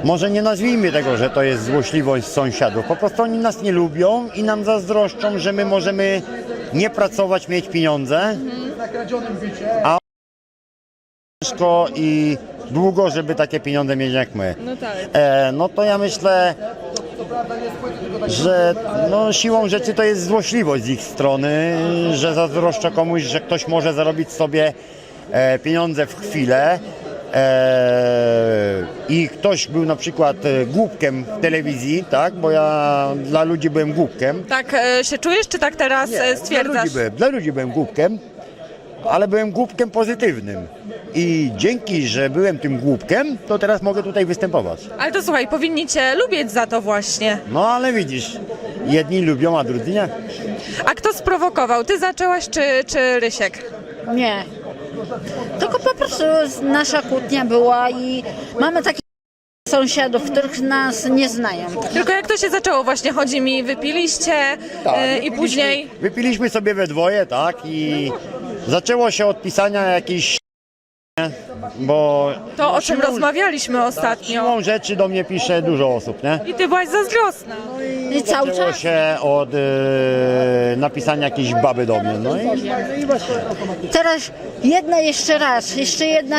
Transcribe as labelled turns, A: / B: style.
A: może nie nazwijmy tego, że to jest złośliwość sąsiadów. Po prostu oni nas nie lubią i nam zazdroszczą, że my możemy nie pracować, mieć pieniądze, a ciężko i długo, żeby takie pieniądze mieć jak my.
B: No tak.
A: No to ja myślę, że no, siłą rzeczy to jest złośliwość z ich strony, że zazdroszczę komuś, że ktoś może zarobić sobie pieniądze w chwilę i ktoś był na przykład głupkiem w telewizji, tak, bo ja dla ludzi byłem głupkiem.
B: Tak się czujesz, czy tak teraz stwierdzasz?
A: Dla ludzi byłem głupkiem, ale byłem głupkiem pozytywnym. I dzięki, że byłem tym głupkiem, to teraz mogę tutaj występować.
B: Ale to słuchaj, powinni cię lubić za to właśnie.
A: No ale widzisz, jedni lubią, a drudzy nie.
B: A kto sprowokował? Ty zaczęłaś, czy Rysiek?
C: Nie. Tylko po prostu nasza kłótnia była i mamy takich sąsiadów, których nas nie znają.
B: Tylko jak to się zaczęło właśnie? Chodzi mi, wypiliście i później...
A: Wypiliśmy sobie we dwoje, tak, i zaczęło się od pisania jakichś, bo
B: To o czym rozmawialiśmy ostatnio.
A: siłą rzeczy do mnie pisze dużo osób, nie?
B: I ty byłaś zazdrosna.
C: I cały
A: Zaczęło
C: czas.
A: się od napisania jakiejś baby do mnie, no i
C: Teraz jedna jeszcze raz, jeszcze jedna